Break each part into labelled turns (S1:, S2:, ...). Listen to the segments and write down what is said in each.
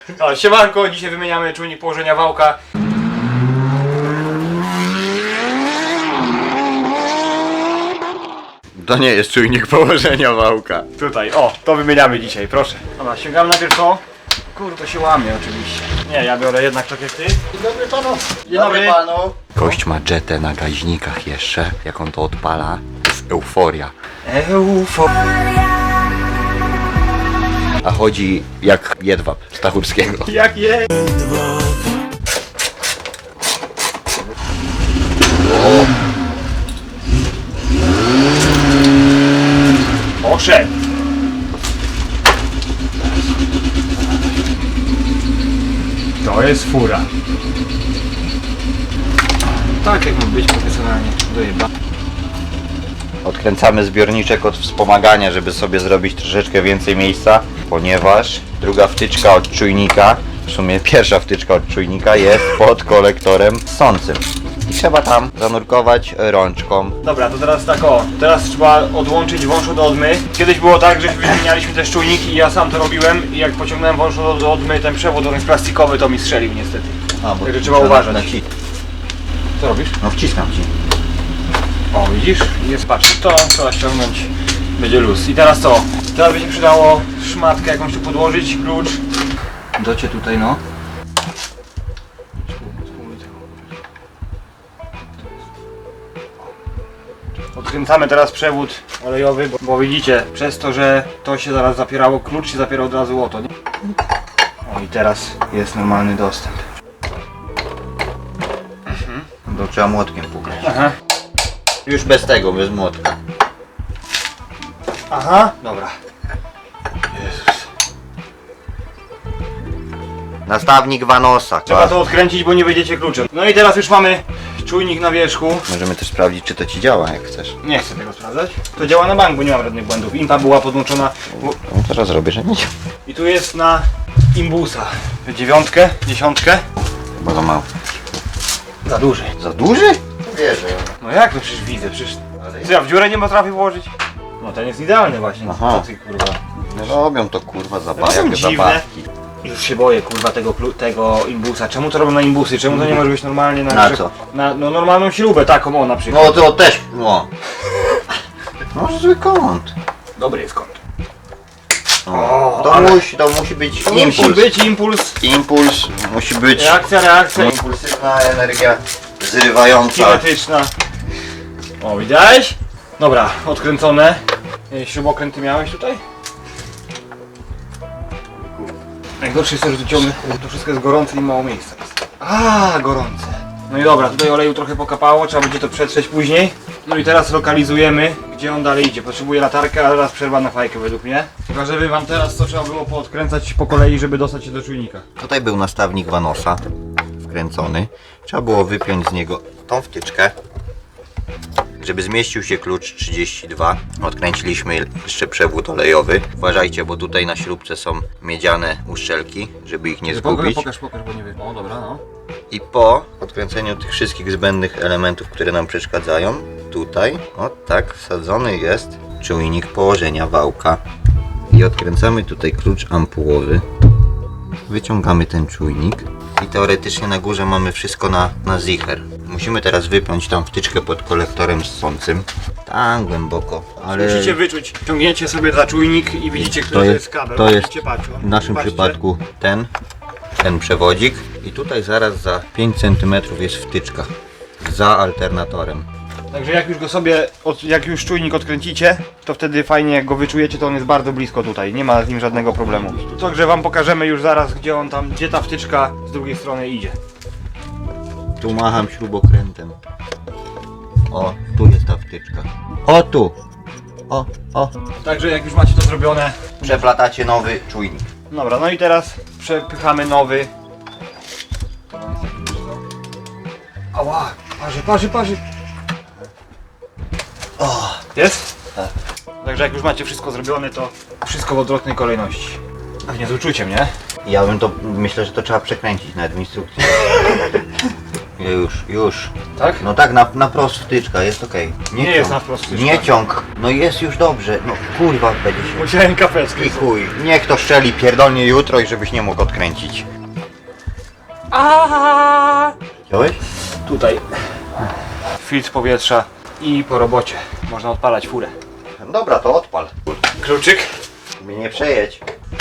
S1: No, siemanko, dzisiaj wymieniamy czujnik położenia wałka.
S2: To nie jest czujnik położenia wałka.
S1: Tutaj, o, to wymieniamy dzisiaj, proszę. Dobra, sięgamy najpierw to. Kurde, się łamie oczywiście. Nie, ja biorę jednak tak jak ty. Dzień dobry panu. Dzień dobry panu.
S2: Gość ma jetę na gaźnikach jeszcze. Jak on to odpala, to jest euforia. A chodzi jak jedwab Stachurskiego.
S1: Jak je? Poszedł. To jest fura. Tak jak ma być profesjonalnie. Dojeba.
S2: Odkręcamy zbiorniczek od wspomagania, żeby sobie zrobić troszeczkę więcej miejsca, ponieważ druga wtyczka od czujnika, w sumie pierwsza wtyczka od czujnika jest pod kolektorem ssącym. I trzeba tam zanurkować rączką.
S1: Dobra, to teraz tak o. Teraz trzeba odłączyć wąż od odmy. Kiedyś było tak, że wymienialiśmy też czujnik i ja sam to robiłem i jak pociągnąłem wąż od odmy, ten przewód, on jest plastikowy, to mi strzelił niestety.
S2: Bo
S1: Także trzeba uważać. Co robisz?
S2: No wciskam ci.
S1: O, widzisz? Jest, patrz, to trzeba ściągnąć, będzie luz. I teraz co? Teraz by się przydało szmatkę jakąś tu podłożyć, klucz.
S2: Docie tutaj no.
S1: Odkręcamy teraz przewód olejowy, bo widzicie, przez to, że to się zaraz zapierało, klucz się zapiera od razu o to, nie? O, i teraz jest normalny dostęp.
S2: To trzeba młotkiem pukać.
S1: Aha.
S2: Już bez tego, bez młotka.
S1: Aha. Dobra. Jezus.
S2: Nastawnik Vanosa.
S1: Trzeba to odkręcić, bo nie wejdziecie kluczem. No i teraz już mamy czujnik na wierzchu.
S2: Możemy też sprawdzić, czy to ci działa, jak chcesz.
S1: Nie chcę tego sprawdzać. To działa na bank, bo nie mam żadnych błędów. Impa była podłączona.
S2: No teraz zrobię, że nie działa.
S1: I tu jest na imbusa. 9, 10.
S2: Chyba za mało.
S1: Za duży.
S2: Za duży? Wierzę.
S1: No jak to przecież widzę, przecież... Co ja w dziurę nie potrafię włożyć? No ten jest idealny właśnie.
S2: Aha.
S1: Co ty kurwa?
S2: No robią to kurwa
S1: są
S2: zabawki.
S1: dziwne. Już się boję kurwa tego imbusa. Czemu to robią na imbusy? Czemu to nie może być normalnie na...
S2: Na co?
S1: Na no, normalną śrubę taką o na przykład.
S2: No to też, no. No zły kąt.
S1: Dobry jest kąt.
S2: O, to,
S1: ale-
S2: to musi być
S1: To
S2: impuls.
S1: musi być impuls.
S2: Impuls musi być
S1: Reakcja.
S2: impulsywna energia zrywająca.
S1: Kinetyczna. O, widziałeś? Dobra, odkręcone. Śrubokręty miałeś tutaj? Najgorsze jest to, że tu ciągle to wszystko jest gorące i mało miejsca jest. A, gorące. No i dobra, tutaj oleju trochę pokapało, trzeba będzie to przetrzeć później. No i teraz lokalizujemy, gdzie on dalej idzie. Potrzebuję latarkę, ale teraz przerwa na fajkę według mnie. Pokażę wam teraz, co trzeba było poodkręcać po kolei, żeby dostać się do czujnika.
S2: Tutaj był nastawnik Vanosa wkręcony. Trzeba było wypiąć z niego tą wtyczkę, żeby zmieścił się klucz 32. Odkręciliśmy jeszcze przewód olejowy. Uważajcie, bo tutaj na śrubce są miedziane uszczelki, żeby ich nie zgubić.
S1: Pokaż, bo nie wiem. O, dobra, no.
S2: I po odkręceniu tych wszystkich zbędnych elementów, które nam przeszkadzają, tutaj, o tak, wsadzony jest czujnik położenia wałka. I odkręcamy tutaj klucz ampułowy. Wyciągamy ten czujnik. I teoretycznie na górze mamy wszystko na zicher. Musimy teraz wypiąć tą wtyczkę pod kolektorem ssącym. Tam głęboko, ale
S1: Musicie wyczuć. Ciągniecie sobie za czujnik i widzicie, który to jest kabel.
S2: to jest
S1: Musicie patrzeć.
S2: w naszym
S1: Patrzcie.
S2: przypadku ten przewodzik. I tutaj zaraz za 5 cm jest wtyczka za alternatorem.
S1: Także jak już go sobie, jak już czujnik odkręcicie, to wtedy fajnie jak go wyczujecie, to on jest bardzo blisko tutaj, nie ma z nim żadnego problemu. Także wam pokażemy już zaraz, gdzie ta wtyczka z drugiej strony idzie.
S2: Tu macham śrubokrętem. O, tu jest ta wtyczka. O, tu. O.
S1: Także jak już macie to zrobione,
S2: Przeplatacie nowy czujnik.
S1: dobra, no i teraz przepychamy nowy. Ała, parzy. O, jest?
S2: Tak.
S1: Także jak już macie wszystko zrobione, to wszystko w odwrotnej kolejności. Pewnie z uczuciem, nie?
S2: Ja bym to, myślę, że to trzeba przekręcić nawet w instrukcji. Już.
S1: Tak?
S2: No tak, na prost wtyczka, jest okej.
S1: Nie jest na wprost wtyczka.
S2: Nie ciąg. No jest już dobrze. No kurwa, będzie się...
S1: Musiałem kapeczkę.
S2: I chuj. Niech to szczeli pierdolnie jutro i żebyś nie mógł odkręcić. Wziąłeś?
S1: Tutaj. Filtr powietrza i po robocie. Można odpalać furę.
S2: Dobra, to odpal.
S1: Kluczyk.
S2: Mnie nie przejedź.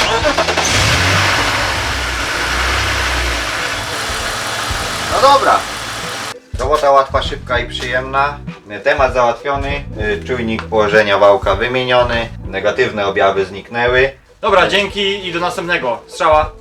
S2: No dobra. Robota łatwa, szybka i przyjemna. Temat załatwiony. Czujnik położenia wałka wymieniony. Negatywne objawy zniknęły.
S1: Dobra, dzięki i do następnego. Strzała.